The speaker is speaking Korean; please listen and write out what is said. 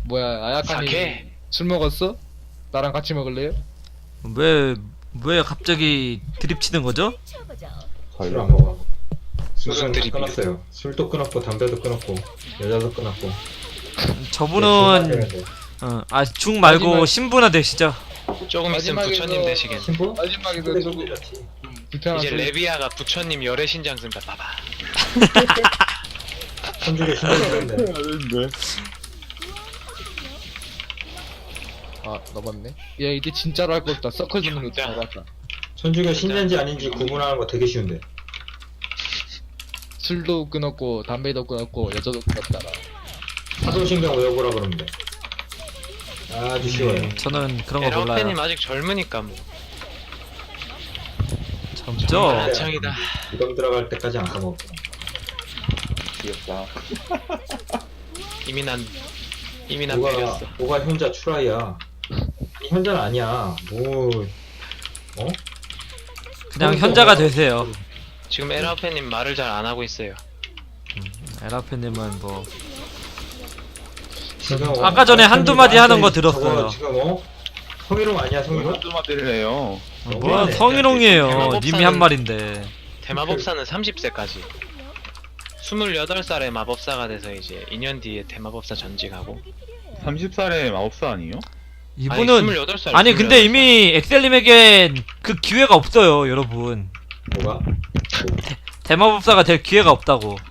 뭐야 아야카니 사케? 술 먹었어? 나랑 같이 먹을래요? 왜 갑자기 드립 치는 거죠? 술 안 먹어. 무슨 술은 드립이에요? 끊었어요. 술도 끊었고 담배도 끊었고 여자도 끊었고. 저분은 중 말고 마지막- 신부나 되시죠? 조금 있으면 마지막에서- 부처님 되시겠네. 신부? 마지막에 근데 조금 좋지. 불편한 이제 소리. 레비아가 부처님 열애 신장 쓴다. 봐봐. 천주교 신부인데. 아 넘었네. 야 이제 진짜로 할 거 없다. 서클 눈으로 진짜. 잡았다. 천주교 신자인지 아닌지 구분하는 거 되게 쉬운데. 술도 끊었고 담배도 끊었고 여자도 끊었다라. 사도신경 외워보라 그러면 돼. 아주 쉬워요. 저는 그런 거 몰라요. 에라오페님 아직 젊으니까 뭐. 젊죠? 한창이다. 무덤 들어갈 때까지 안 까먹어. 귀엽다. 이미 난 뭐가 배렸어. 뭐가 현자 추라이야. 아니, 현자는 아니야. 뭐 어? 그냥 현자가 되세요. 지금 에라오페님 말을 잘 안 하고 있어요. 에라페님은 뭐 지금 아까 전에 한두 마디 하는 거 들었어요. 저거 지금 성희롱 아니야 성희롱? 한두 마디를해요. 뭐 너무하네. 성희롱이에요. 대마법사는- 님이 한 말인데. 대마법사는 30세까지. 28살에 마법사가 돼서 이제 2년 뒤에 대마법사 전직하고. 30살의 마법사 아니에요? 이분은 28살. 아니 근데 이미 엑셀님에겐 그 기회가 없어요, 여러분. 뭐가? 대마법사가 될 기회가 없다고.